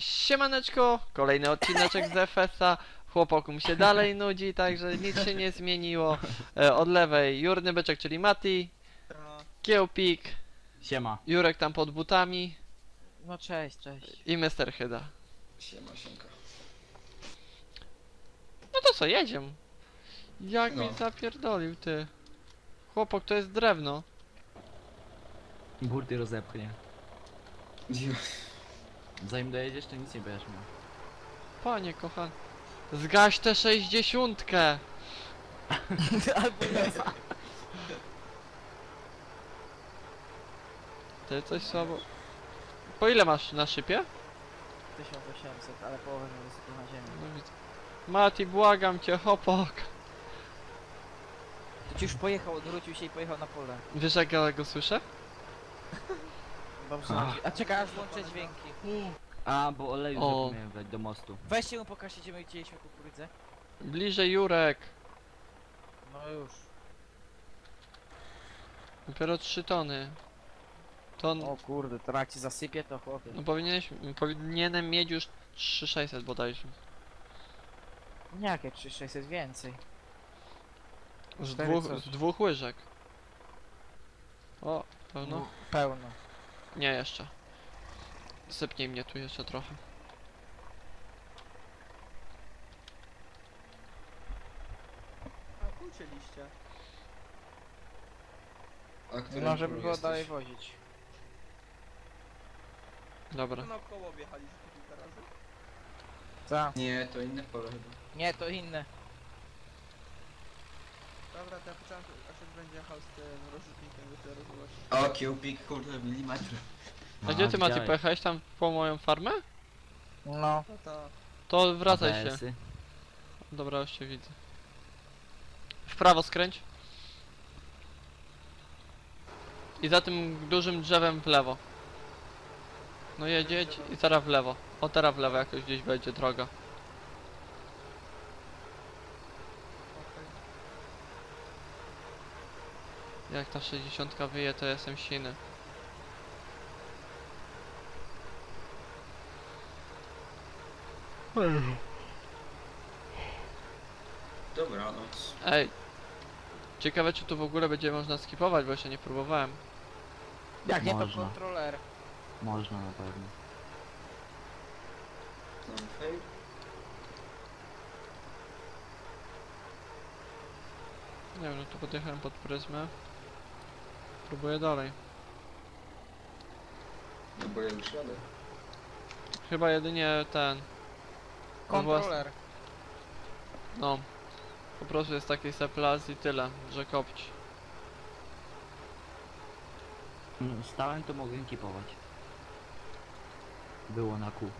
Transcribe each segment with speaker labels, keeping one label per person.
Speaker 1: Siemaneczko, kolejny odcineczek z FS-a. Chłopakom się dalej nudzi, także nic się nie zmieniło. Od lewej Jurny Byczek, czyli Mati, Kiełpik,
Speaker 2: Siema.
Speaker 1: Jurek tam pod butami
Speaker 3: No cześć, cześć.
Speaker 1: i Mr. Hyda.
Speaker 4: Siemka.
Speaker 1: No to co, jedziemy. Jak
Speaker 4: No.
Speaker 1: mi zapierdolił, ty. Chłopok, to jest drewno.
Speaker 2: Burty rozepchnie. Zanim dojedziesz, to nic nie będziesz miał.
Speaker 1: Panie kochany. Zgaś tę 60.
Speaker 3: Albo nie.
Speaker 1: Ty coś słabo. Po ile masz na szybie?
Speaker 3: 1800, ale połowę mi wysypał na ziemię.
Speaker 1: No widzę. Mati, błagam cię, chłopak.
Speaker 3: To ci już pojechał, odwrócił się i pojechał na pole.
Speaker 1: Wiesz jak ja go słyszę?
Speaker 3: Dobrze. A czekaj, aż włączę dźwięki.
Speaker 2: A, bo oleju
Speaker 1: O.
Speaker 2: zapomniałem wlać do mostu.
Speaker 3: Weźcie mu pokażcie, gdzie my widzieliśmy kukurydzę.
Speaker 1: Bliżej Jurek.
Speaker 3: No już.
Speaker 1: Dopiero 3 tony. To
Speaker 3: O kurde, to jak ci zasypie, to chłopie.
Speaker 1: no powinienem mieć już 3600 bodajże.
Speaker 3: Nie, jakie 3600 więcej.
Speaker 1: Z
Speaker 3: Cztery
Speaker 1: dwóch,
Speaker 3: coś.
Speaker 1: z dwóch łyżek. O, pełno?
Speaker 3: Pełno.
Speaker 1: Nie jeszcze. Sypnij mnie tu jeszcze trochę.
Speaker 5: A ucięliście.
Speaker 4: A który
Speaker 3: No, żeby
Speaker 4: polu
Speaker 3: było
Speaker 4: jesteś?
Speaker 3: dalej wozić.
Speaker 1: Dobra.
Speaker 5: To naokoło wjechaliśmy kilka razy.
Speaker 3: Co?
Speaker 4: Nie, to inne pole chyba.
Speaker 3: Nie, to inne.
Speaker 5: Dobra, to ja poczekam, aż będzie jechał z tym rozrzutnikiem, dopiero zobaczyć.
Speaker 4: O, kiełpik, kurde, milimetr.
Speaker 1: A gdzie ty Mati
Speaker 2: widziałeś.
Speaker 1: pojechałeś tam po moją farmę?
Speaker 3: No.
Speaker 5: No to...
Speaker 1: To wracaj się.
Speaker 2: ABS-y.
Speaker 1: Dobra, już cię widzę. W prawo skręć. I za tym dużym drzewem w lewo. No jedź i teraz w lewo. O, teraz w lewo jakoś gdzieś będzie droga.
Speaker 5: okej.
Speaker 1: Jak ta 60 wyje, to jestem siny.
Speaker 4: Dobranoc.
Speaker 1: Ej. Ciekawe czy tu w ogóle będzie można skipować, bo jeszcze nie próbowałem.
Speaker 3: Jak nie, to
Speaker 2: Można.
Speaker 3: kontroler.
Speaker 2: Można na pewno.
Speaker 4: No, hej.
Speaker 1: Nie wiem, no to podjechałem pod pryzmę. Próbuję dalej.
Speaker 4: No bo ja już jadę.
Speaker 1: Chyba jedynie ten.
Speaker 3: Kontroler.
Speaker 1: No. Po prostu jest taki seplas i tyle, że kopć.
Speaker 2: No, stałem to mogłem kipować. Było na kół.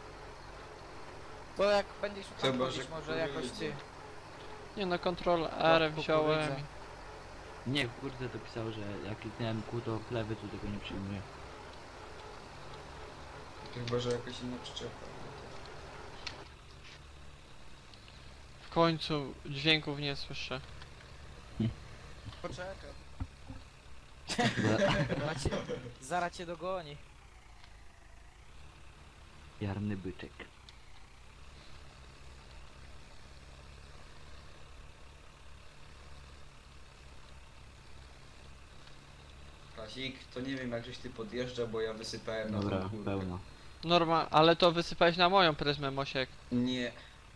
Speaker 3: To jak będziesz szukał
Speaker 4: Chyba,
Speaker 3: chodzić,
Speaker 4: że
Speaker 3: może jakoś ty.
Speaker 1: Nie no, Ctrl R wziąłem.
Speaker 3: kukurydzę.
Speaker 2: Nie, kurde to pisał, że jak kliknąłem kół to plewy, to tego nie przyjmuje.
Speaker 4: Chyba, że jakaś inna przyczepa.
Speaker 1: W końcu dźwięków nie słyszę.
Speaker 5: Poczekaj.
Speaker 3: Zaraz cię dogoni.
Speaker 2: Jarny byczek.
Speaker 4: Kasik, to nie wiem jak żeś ty podjeżdża, bo ja wysypałem na
Speaker 2: Dobra,
Speaker 4: tą górę.
Speaker 2: pełno.
Speaker 1: Norma, ale to wysypałeś na moją pryzmę, Mosiek.
Speaker 4: Nie.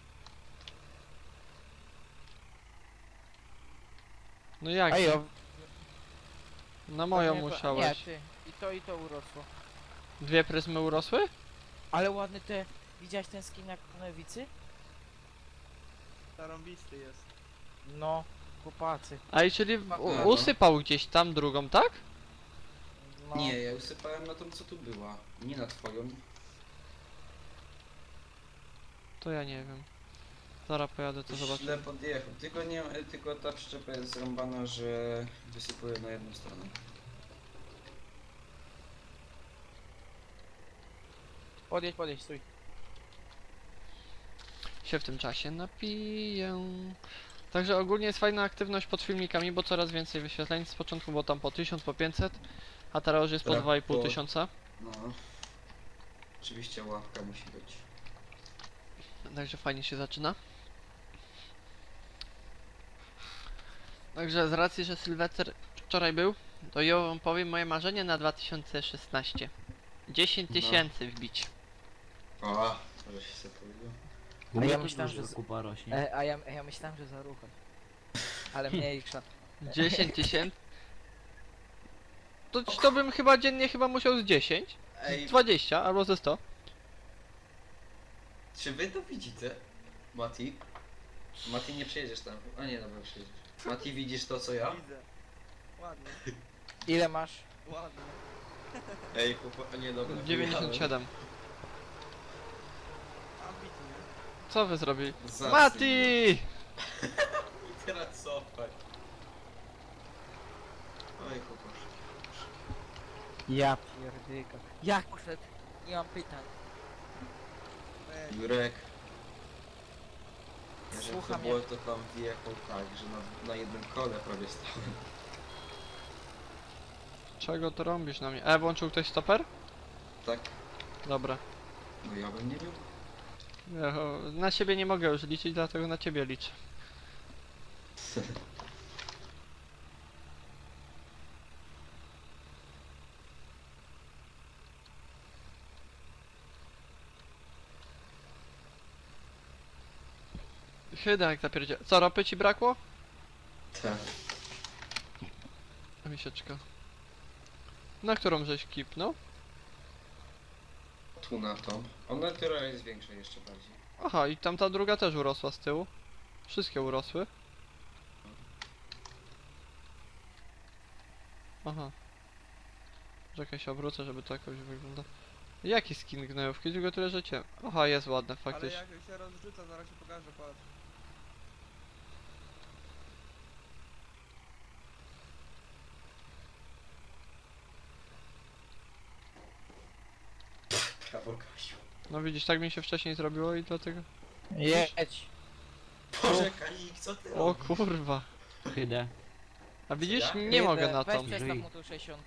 Speaker 1: No jak?
Speaker 3: Ej, o,
Speaker 1: Na moją
Speaker 3: nie,
Speaker 1: musiałeś.
Speaker 3: Nie, ty. I to urosło.
Speaker 1: Dwie pryzmy urosły?
Speaker 3: Ale ładny te... Widziałeś ten skin jak konewicy?
Speaker 5: Zarąbisty jest.
Speaker 3: No, chłopacy.
Speaker 1: A i czyli
Speaker 4: No.
Speaker 1: usypał gdzieś tam drugą, tak?
Speaker 3: No.
Speaker 4: Nie, ja usypałem na tą co tu była. Nie na twoją.
Speaker 1: To ja nie wiem. Zaraz pojadę, to zobaczę.
Speaker 4: Źle podjechał. Tylko nie, tylko ta przyczepa jest zrąbana, że wysypuje na jedną stronę.
Speaker 3: Podjedź, stój.
Speaker 1: Się w tym czasie napiję. Także ogólnie jest fajna aktywność pod filmikami, bo coraz więcej wyświetleń. Z początku było tam po 1000, po 500, a teraz już jest po
Speaker 4: Tak,
Speaker 1: 2,5
Speaker 4: po-
Speaker 1: tysiąca.
Speaker 4: No. Oczywiście ławka musi być.
Speaker 1: Także fajnie się zaczyna. Także z racji, że Sylwester wczoraj był, to ja wam powiem moje marzenie na 2016. 10
Speaker 4: No.
Speaker 1: tysięcy wbić.
Speaker 4: O, że się sobie powiedział.
Speaker 2: U
Speaker 3: A
Speaker 2: mnie
Speaker 3: ja
Speaker 2: też
Speaker 3: myślałem,
Speaker 2: dużo
Speaker 3: że
Speaker 2: kupa rośnie.
Speaker 3: A ja myślałem, że za ruchem. Ale mniejsza.
Speaker 1: 10 tysięcy? To bym chyba dziennie musiał z 10,
Speaker 4: Ej,
Speaker 1: 20 albo ze 100.
Speaker 4: czy wy to widzicie? Mati? Mati, nie przyjedziesz tam. A nie, dobra, przyjedziesz. Mati, widzisz to co ja?
Speaker 5: Widzę. Ładnie,
Speaker 3: Ile masz?
Speaker 5: ładnie.
Speaker 4: Ej, chłopak, a nie, dobra.
Speaker 1: 97.
Speaker 5: Ambitnie.
Speaker 1: Co wy zrobili?
Speaker 4: Zacny.
Speaker 1: Mati!
Speaker 4: I teraz cofaj. Oj, chłopak.
Speaker 3: Ja pierdyka. Jak poszedł? Nie mam pytań.
Speaker 5: Ej,
Speaker 4: Jurek. Jeżeli to
Speaker 3: Słucham,
Speaker 4: było, to tam wjechał tak, że na jednym kole prawie stałem.
Speaker 1: Czego to robisz na mnie? Włączył ktoś stoper?
Speaker 4: Tak,
Speaker 1: Dobra.
Speaker 4: no ja bym nie miał.
Speaker 1: Ja, na siebie nie mogę już liczyć, dlatego na ciebie liczę. Chyba jak zapierdzie. Co, ropy ci brakło?
Speaker 4: Tak.
Speaker 1: Misieczka. Na którą żeś kipnął?
Speaker 4: Tu na tą. Ona teraz jest większa jeszcze bardziej.
Speaker 1: Aha, i tamta druga też urosła z tyłu. Wszystkie urosły. Aha. Czekaj, się obrócę, żeby to jakoś wygląda. Jaki skin gnojówki? Tylko tyle, że cię... Aha, jest ładne,
Speaker 5: ale
Speaker 1: faktycznie.
Speaker 5: jak się rozrzuca, zaraz się pokażę, patrz.
Speaker 4: Brawo, Kasiu.
Speaker 1: No widzisz, tak mi się wcześniej zrobiło i dlatego...
Speaker 3: Jedź.
Speaker 4: Boże, Kalik, co ty
Speaker 1: O
Speaker 4: robisz?
Speaker 1: kurwa.
Speaker 2: Hydę.
Speaker 1: A widzisz,
Speaker 4: Ja?
Speaker 1: nie mogę na
Speaker 3: Weź
Speaker 1: tą.
Speaker 3: przestaw
Speaker 2: Żyj.
Speaker 3: mu tą 60.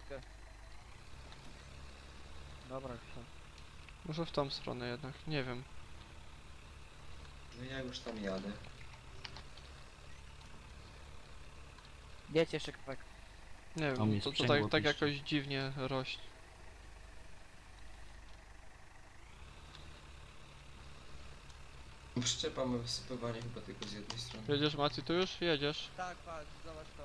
Speaker 3: Dobra, все.
Speaker 1: Może w tą stronę jednak, nie wiem.
Speaker 4: No ja już tam jadę.
Speaker 3: Jedź jeszcze kawałek.
Speaker 1: Nie
Speaker 2: O, mnie
Speaker 1: wiem, to
Speaker 2: sprzęgło
Speaker 1: tak
Speaker 2: piszczy.
Speaker 1: jakoś dziwnie rośnie.
Speaker 4: Przyczepa ma wysypywanie chyba tylko z jednej strony.
Speaker 1: Jedziesz, Maci, tu już? Jedziesz.
Speaker 5: Tak, patrz, zobacz to.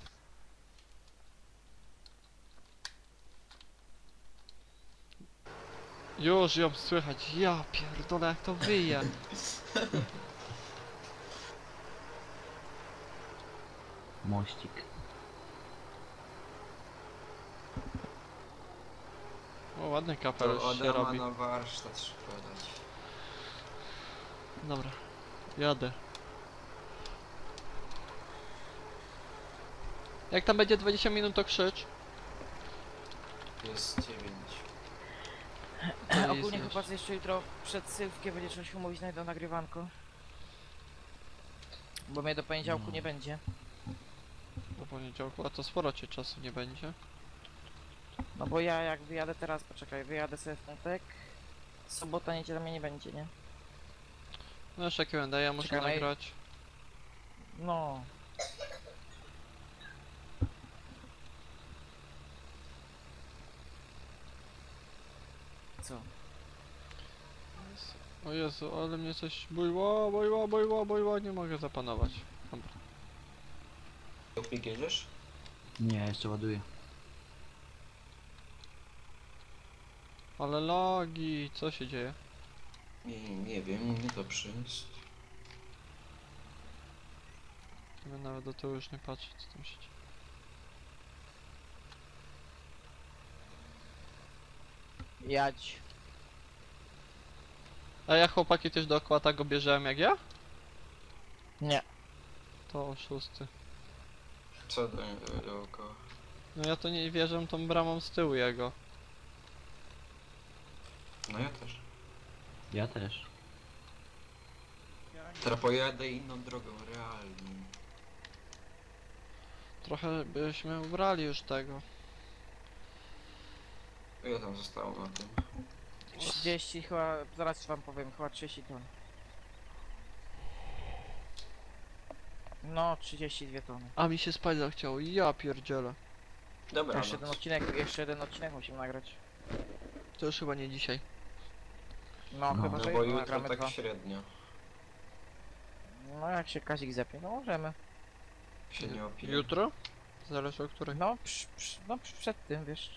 Speaker 1: Już ją słychać, ja pierdolę jak to wyje.
Speaker 2: Mościk.
Speaker 1: O, ładny
Speaker 4: To
Speaker 1: kapelusz się
Speaker 4: Adama
Speaker 1: robi.
Speaker 4: na warsztat szkoda dać.
Speaker 1: Dobra, jadę. Jak tam będzie 20 minut, to krzycz.
Speaker 4: Jest 9.
Speaker 1: To jest
Speaker 3: Ogólnie
Speaker 1: znać.
Speaker 3: chyba że jeszcze jutro przed Sylwkiem będzie trzeba się umówić na jedno nagrywanko. Bo mnie do poniedziałku nie będzie.
Speaker 1: Po poniedziałku, a to sporo cię czasu nie będzie.
Speaker 3: No bo ja jak wyjadę teraz, poczekaj, wyjadę sobie w piątek. Sobota, niedziela mnie nie będzie, nie?
Speaker 1: No jeszcze Q&A, ja muszę
Speaker 3: Czekaj, no i-
Speaker 1: nagrać.
Speaker 3: No. Co?
Speaker 1: O Jezu, ale mnie coś bojło, nie mogę zapanować. Dobra.
Speaker 4: Jopik jedziesz?
Speaker 2: Nie, jeszcze ładuję.
Speaker 1: Ale logi, co się dzieje?
Speaker 4: Nie wiem, niedobrze jest.
Speaker 1: Ja nawet do tyłu już nie patrzę, co tam się dzieje.
Speaker 3: Jadź.
Speaker 1: A ja chłopaki też dookoła tak objeżdżałem jak ja?
Speaker 3: Nie.
Speaker 1: To oszusty.
Speaker 4: Co dookoła?
Speaker 1: No ja to nie wierzę tą bramą z tyłu jego.
Speaker 4: No ja też.
Speaker 2: Ja też.
Speaker 5: Ja nie.
Speaker 4: Teraz pojadę inną drogą, realnie.
Speaker 1: Trochę byśmy ubrali już tego.
Speaker 4: Ja tam zostałem na tym.
Speaker 3: 30 chyba, zaraz wam powiem, chyba 30 ton. No, 32 tony.
Speaker 1: A mi się spać zachciało, ja pierdzielę.
Speaker 4: Dobra,
Speaker 3: Jeszcze jeden odcinek musimy nagrać.
Speaker 1: To już chyba nie dzisiaj.
Speaker 3: No,
Speaker 2: No,
Speaker 3: chyba,
Speaker 4: no
Speaker 3: że
Speaker 4: bo
Speaker 3: jutro
Speaker 4: jutro
Speaker 3: nagramy
Speaker 4: tak
Speaker 3: dwa.
Speaker 4: średnio.
Speaker 3: No, jak się Kazik zepnie, no możemy.
Speaker 4: Się nie opije.
Speaker 1: Jutro? Zależy o której.
Speaker 3: No, przed tym, wiesz,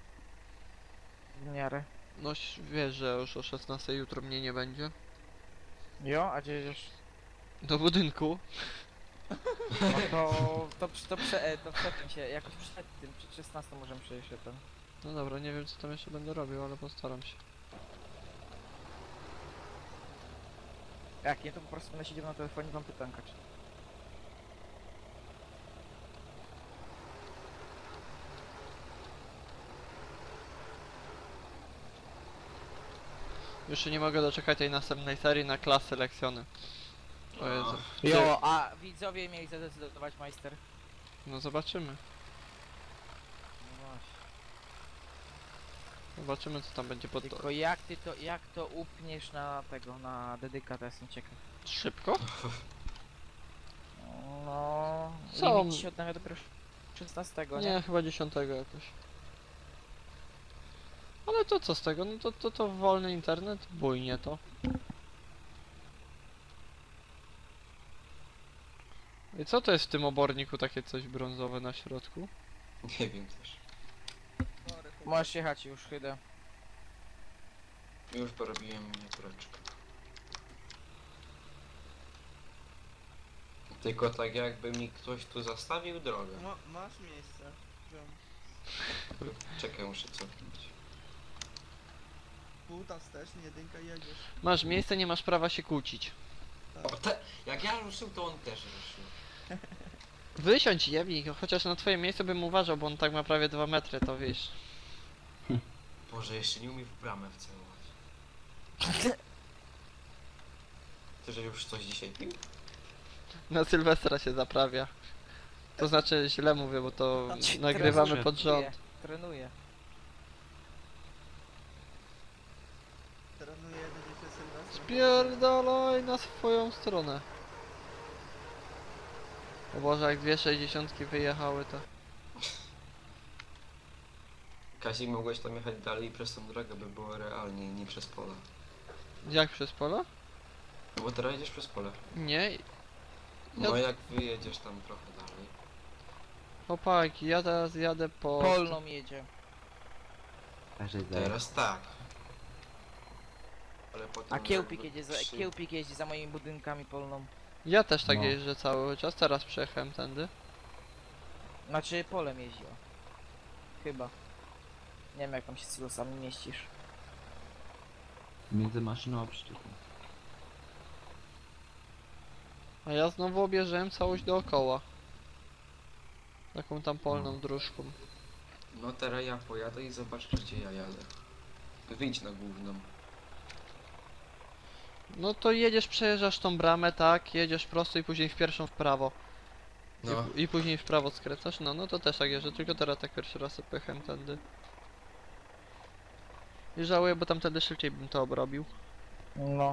Speaker 3: w miarę.
Speaker 1: No wiesz, że już o 16 jutro mnie nie będzie.
Speaker 3: Jo, a gdzie jedziesz?
Speaker 1: Do budynku.
Speaker 3: No to przed tym się, jakoś przed tym, przed 16 możemy przejść ten.
Speaker 1: No dobra, nie wiem co tam jeszcze będę robił, ale postaram się.
Speaker 3: Jak nie, to po prostu będę siedział na telefonie i wam pytankać.
Speaker 1: Już się nie mogę doczekać tej następnej serii na klasy lekcjony. O Jezu.
Speaker 3: Jo, a widzowie mieli zadecydować, majster.
Speaker 1: No zobaczymy.
Speaker 3: No właśnie.
Speaker 1: Zobaczymy co tam będzie pod to.
Speaker 3: Tylko jak to upniesz na tego, na dedyka, to jestem ciekaw.
Speaker 1: Szybko?
Speaker 3: No...
Speaker 1: Co?
Speaker 3: Limit się odnawia dopiero 16, nie?
Speaker 1: Nie, chyba 10 jakoś. Ale to co z tego? No to wolny internet? Bujnie to. I co to jest w tym oborniku takie coś brązowe na środku?
Speaker 4: Nie wiem też.
Speaker 5: Sorry, chłop.
Speaker 3: Możesz jechać już, chyba.
Speaker 4: Już porobiłem miniatureczkę. Tylko tak jakby mi ktoś tu zastawił drogę.
Speaker 5: No, masz miejsce. Ziom.
Speaker 4: Czekaj, muszę cofnąć.
Speaker 5: Półta wstecz, jedynka i jedziesz.
Speaker 1: Masz miejsce, nie masz prawa się kłócić.
Speaker 4: O, jak ja ruszył, to on też ruszył.
Speaker 1: Wysiądź jebnik, chociaż na twoje miejsce bym uważał, bo on tak ma prawie 2 metry, to wiesz.
Speaker 4: Boże, jeszcze nie umie w bramę wcelować. Ty, że już coś dzisiaj pił?
Speaker 1: Na Sylwestra się zaprawia. To znaczy źle mówię, bo to
Speaker 3: Znaczy,
Speaker 1: nagrywamy
Speaker 2: trenuje.
Speaker 1: pod rząd.
Speaker 3: Trenuję.
Speaker 5: Trenuję jeden dzisiaj Sylwestra.
Speaker 1: Spierdalaj na swoją stronę. O Boże, jak 2,60 wyjechały to.
Speaker 4: Kazik, mogłeś tam jechać dalej przez tą drogę, by było realnie, nie przez pola.
Speaker 1: Jak przez pola?
Speaker 4: No bo teraz jedziesz przez pole.
Speaker 1: Nie.
Speaker 4: No
Speaker 1: Ja-
Speaker 4: jak wyjedziesz tam trochę dalej.
Speaker 1: Chłopaki, ja teraz jadę po...
Speaker 3: Polną jedzie.
Speaker 2: Każdy daje.
Speaker 4: Teraz tak. Ale potem
Speaker 3: A Kiełpik
Speaker 4: jakby
Speaker 3: jedzie
Speaker 4: przy-
Speaker 3: Kiełpik jeździ za moimi budynkami polną.
Speaker 1: Ja też tak
Speaker 2: No.
Speaker 1: jeżdżę cały czas, teraz przejechałem tędy.
Speaker 3: Znaczy polem jeździła. Chyba. Nie wiem jak tam się z silosami mieścisz.
Speaker 2: Między maszyną a przyczepą.
Speaker 1: A ja znowu objeżdżałem całość dookoła. Taką tam polną dróżką.
Speaker 4: No teraz ja pojadę i zobacz, gdzie ja jadę. Wyjdź na główną.
Speaker 1: No to jedziesz, przejeżdżasz tą bramę, tak, jedziesz prosto i później w pierwszą w prawo.
Speaker 4: No.
Speaker 1: I później w prawo skręcasz, no to też tak jeżdżę, tylko teraz tak pierwszy raz pojechałem tędy. I żałuję, bo tamtędy szybciej bym to obrobił.
Speaker 3: No.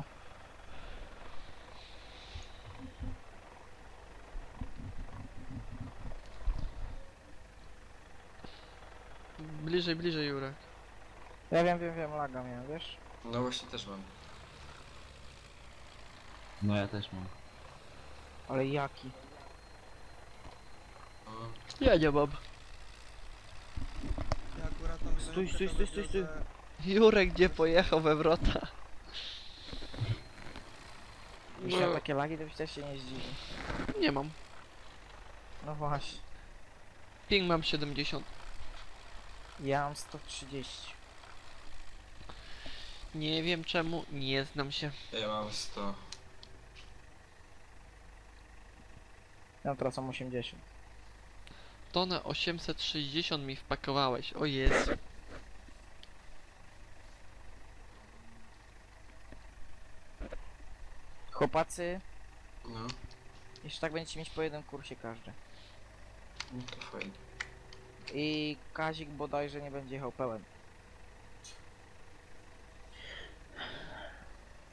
Speaker 1: Bliżej, bliżej Jurek.
Speaker 3: Ja wiem, laga miałem, wiesz?
Speaker 4: No właśnie też mam.
Speaker 2: No ja też mam.
Speaker 3: Ale jaki?
Speaker 4: No.
Speaker 1: Ja nie mam.
Speaker 5: Ja akurat tam
Speaker 3: Stój,
Speaker 5: znajomkę
Speaker 3: stój,
Speaker 5: to
Speaker 3: stój, stój, stój.
Speaker 5: wiozę-
Speaker 1: Jurek gdzie pojechał we wrota?
Speaker 3: Byś miał takie lagi, to byś też się nie zdziwił.
Speaker 1: Nie mam.
Speaker 3: No właśnie.
Speaker 1: Ping mam 70.
Speaker 3: Ja mam 130.
Speaker 1: Nie wiem czemu, nie znam się.
Speaker 4: Ja mam 100.
Speaker 3: Ja teraz mam 80.
Speaker 1: Tonę 860 mi wpakowałeś, o Jezu.
Speaker 3: Chłopacy,
Speaker 4: No.
Speaker 3: jeszcze tak będziecie mieć po jednym kursie każdy.
Speaker 4: No to fajnie.
Speaker 3: I Kazik bodajże nie będzie jechał pełen.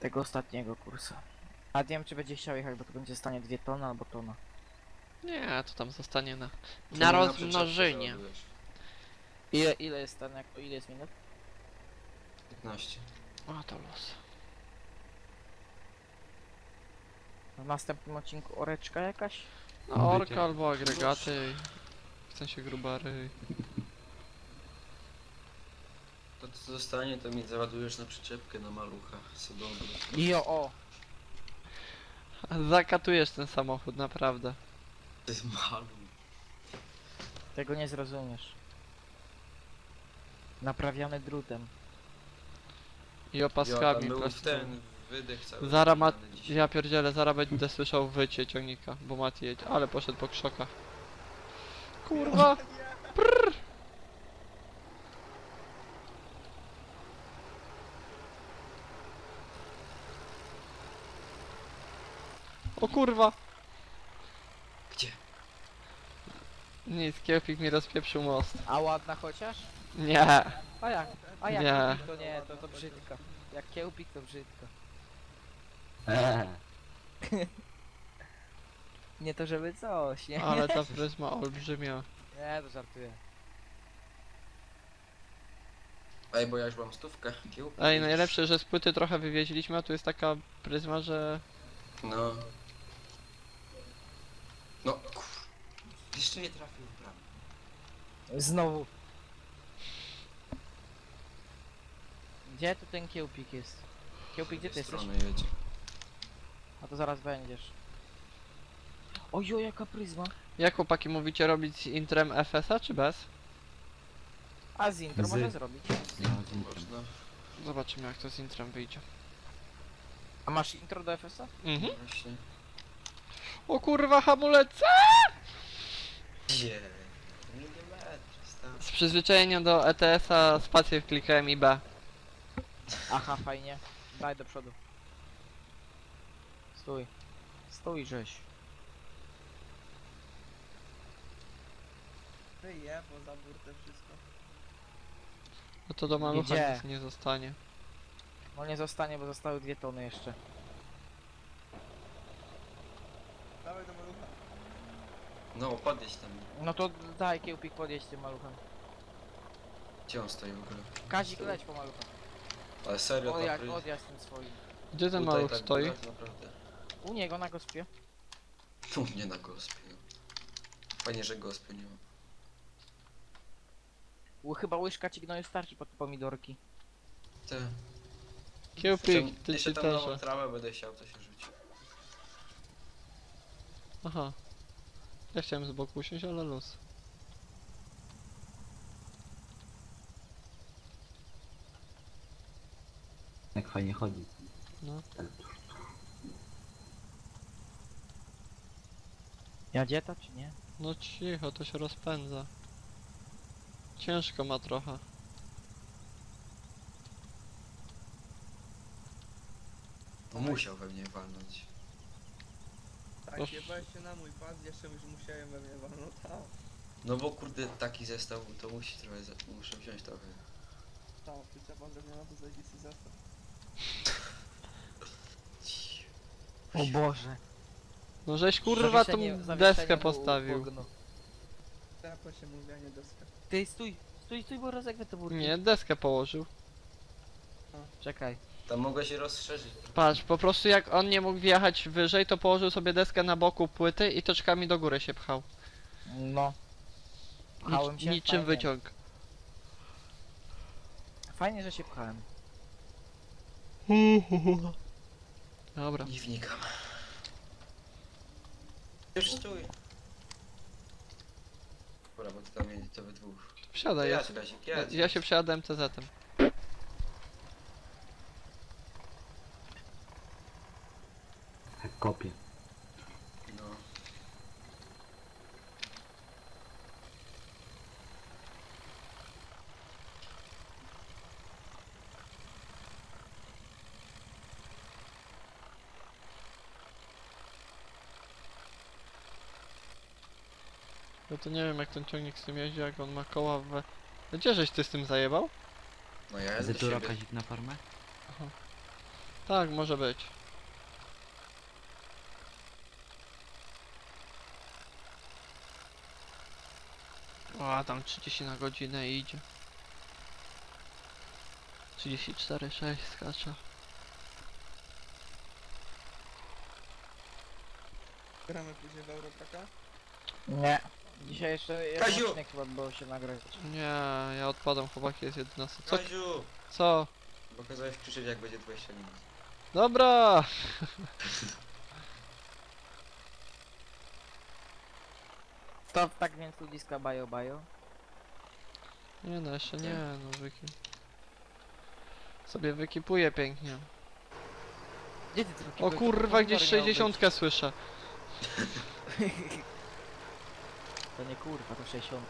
Speaker 3: Tego ostatniego kursa. A nie wiem czy będzie chciał jechać, bo to będzie stanie 2 tony albo tona.
Speaker 1: Nie, to tam zostanie na
Speaker 4: Czemu
Speaker 1: rozmnożenie.
Speaker 4: przyczepkę załadujesz?
Speaker 3: Ile jest ten, ile jest minut?
Speaker 4: 15.
Speaker 1: O, to los.
Speaker 3: W następnym odcinku oreczka jakaś?
Speaker 1: No,
Speaker 2: Bycie.
Speaker 1: orka albo agregaty. W sensie grubary.
Speaker 4: To co zostanie, to mi załadujesz na przyczepkę na malucha. Co dobre.
Speaker 3: Jo, o!
Speaker 1: Zakatujesz ten samochód, naprawdę.
Speaker 4: To jest maluch.
Speaker 3: Tego nie zrozumiesz. Naprawiany drutem.
Speaker 1: I
Speaker 4: Ja
Speaker 1: opaskami
Speaker 4: tam był
Speaker 1: plastikowymi.
Speaker 4: ten wydech cały.
Speaker 1: Zara ma...
Speaker 4: wykonany dzisiaj.
Speaker 1: Ja pierdzielę, zaraz będę słyszał wycie ciągnika, bo Mati jedzie. Ale poszedł po krzokach. Kurwa! O kurwa!
Speaker 4: Gdzie?
Speaker 1: Nic, Kielpik mi rozpieprzył most.
Speaker 3: A ładna chociaż?
Speaker 1: Nie!
Speaker 3: A jak? A jak
Speaker 1: Nie.
Speaker 3: kiełpik to nie, to brzydko. Jak kiełpik to brzydko. Nie to żeby coś, nie?
Speaker 1: Ale ta pryzma olbrzymia.
Speaker 3: Nie, to żartuję.
Speaker 4: Ej, bo ja już mam stówkę. Kiełb.
Speaker 1: Ej, najlepsze, że z płyty trochę wywieźliśmy, a tu jest taka pryzma, że...
Speaker 4: No. No, kur... Jeszcze nie trafił w bramę.
Speaker 3: Znowu. Gdzie tu ten kiełpik jest? Kiełpik, gdzie ty jesteś?
Speaker 4: strony jedzie.
Speaker 3: A to zaraz będziesz. Ojo, jaka pryzma.
Speaker 1: Jak chłopaki mówicie, robić z intrem FS-a czy bez?
Speaker 3: A z intro
Speaker 2: Z-
Speaker 3: może zrobić.
Speaker 4: Można.
Speaker 1: Zobaczymy jak to z intrem wyjdzie.
Speaker 3: A masz intro do FS-a?
Speaker 1: Mhm.
Speaker 4: Właśnie.
Speaker 1: O kurwa, hamulece!
Speaker 4: Gdzie? Milimetr, stary.
Speaker 1: Z przyzwyczajenia do ETS-a spację klikałem i B.
Speaker 3: Aha, fajnie. Daj do przodu. Stój. Stój, żeś.
Speaker 5: Wyje, bo za burtę wszystko.
Speaker 1: No to do malucha
Speaker 3: Gdzie?
Speaker 1: nic nie zostanie.
Speaker 3: No nie zostanie, bo zostały 2 tony jeszcze.
Speaker 5: Dawaj do malucha.
Speaker 4: No, podjedź tam.
Speaker 3: No to daj kiełpik podjeść tym maluchem.
Speaker 4: Gdzie on stoi w ogóle?
Speaker 3: Kazik leć po malucha.
Speaker 4: Ale serio, ta pryz-
Speaker 3: Odjazd tym swoim.
Speaker 1: Gdzie ten
Speaker 4: tutaj
Speaker 1: maluch
Speaker 4: tak
Speaker 1: stoi?
Speaker 4: góra, to naprawdę.
Speaker 3: U niego na gospie.
Speaker 4: Tu nie na gospie, no. Fajnie, że gospy nie ma.
Speaker 3: Chyba łyżka ci gnoju starczy pod pomidorki.
Speaker 4: Te.
Speaker 1: Kiełpik, ty
Speaker 4: Jeszcze
Speaker 1: ci
Speaker 4: tam
Speaker 1: też.
Speaker 4: nową trawę będę chciał, to się rzuci.
Speaker 1: Aha. Ja chciałem z boku usiąść, ale luz.
Speaker 2: Jak fajnie chodzi.
Speaker 1: No.
Speaker 3: Jadzie to czy nie?
Speaker 1: No cicho, to się rozpędza. Ciężko ma trochę.
Speaker 4: No musiał we mnie walnąć.
Speaker 5: Tak,
Speaker 1: Oż.
Speaker 5: jebałeś się na mój pas, jeszcze już musiałem we mnie walnąć. No
Speaker 4: No bo kurde, taki zestaw to musi trochę, muszę wziąć trochę.
Speaker 5: tak, przyczepa drewniana to zajebisty zestaw.
Speaker 3: O Boże.
Speaker 1: No żeś kurwa tą
Speaker 3: Zawieszenie
Speaker 1: deskę
Speaker 3: mu
Speaker 1: postawił.
Speaker 3: pognu.
Speaker 5: Tepa się mówi, a nie deska.
Speaker 3: Ty stój, stój, bo rozegwę te burki.
Speaker 1: Nie, deskę położył.
Speaker 3: Czekaj.
Speaker 4: Tam mogę się rozszerzyć.
Speaker 1: Patrz, po prostu jak on nie mógł wjechać wyżej, to położył sobie deskę na boku płyty i toczkami do góry się pchał.
Speaker 3: No. Pchałem się?
Speaker 1: Niczym
Speaker 3: Fajnie.
Speaker 1: wyciąg.
Speaker 3: Fajnie, że się pchałem.
Speaker 1: Dobra.
Speaker 4: Nie wnikam. Już stój. Dobra, bo ty tam jedzie, to we dwóch.
Speaker 1: Wsiadaj, ja,
Speaker 4: Jedź, Kazik, jedź.
Speaker 1: ja się przejadłem TZ-em.
Speaker 2: Jak kopie.
Speaker 4: No.
Speaker 1: No to nie wiem jak ten ciągnik z tym jeździ, jak on ma koła we... Gdzie żeś ty z tym zajebał?
Speaker 4: No ja jadę do
Speaker 2: Zetura
Speaker 4: siebie.
Speaker 2: Kazik na farmę?
Speaker 1: Tak, może być. O, tam 30 na godzinę idzie. 34,6 skacze.
Speaker 5: Gramy później w Eurotraka.
Speaker 3: Nie. Dzisiaj jeszcze jeden
Speaker 4: Kaziu!
Speaker 3: odcinek chyba było się nagrać.
Speaker 1: Nie, ja odpadam, chłopaki, jest 11. Co?
Speaker 4: Kaziu!
Speaker 1: Co?
Speaker 4: Bo kazałeś krzyczeć jak będzie 20 minut.
Speaker 1: Dobra!
Speaker 3: To tak więc ludziska bajo.
Speaker 1: Nie no, jeszcze nie, no sobie wykipuję pięknie.
Speaker 3: Gdzie ty
Speaker 1: O kurwa, gdzieś 60 słyszę.
Speaker 3: To nie kurwa, to 60.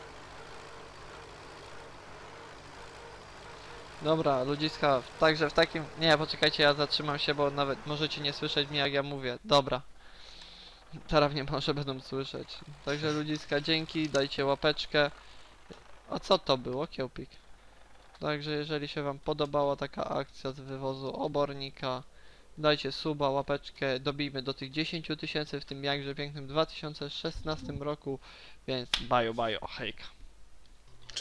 Speaker 1: Dobra, ludziska, także w takim... Nie, poczekajcie, ja zatrzymam się, bo nawet możecie nie słyszeć mnie jak ja mówię. Dobra. Teraz nie może będą słyszeć. Także ludziska, dzięki, dajcie łapeczkę. A co to było, Kiełpik? Także jeżeli się wam podobała taka akcja z wywozu obornika, dajcie suba, łapeczkę, dobijmy do tych 10 000 w tym jakże pięknym 2016 roku, więc bajo, hejka.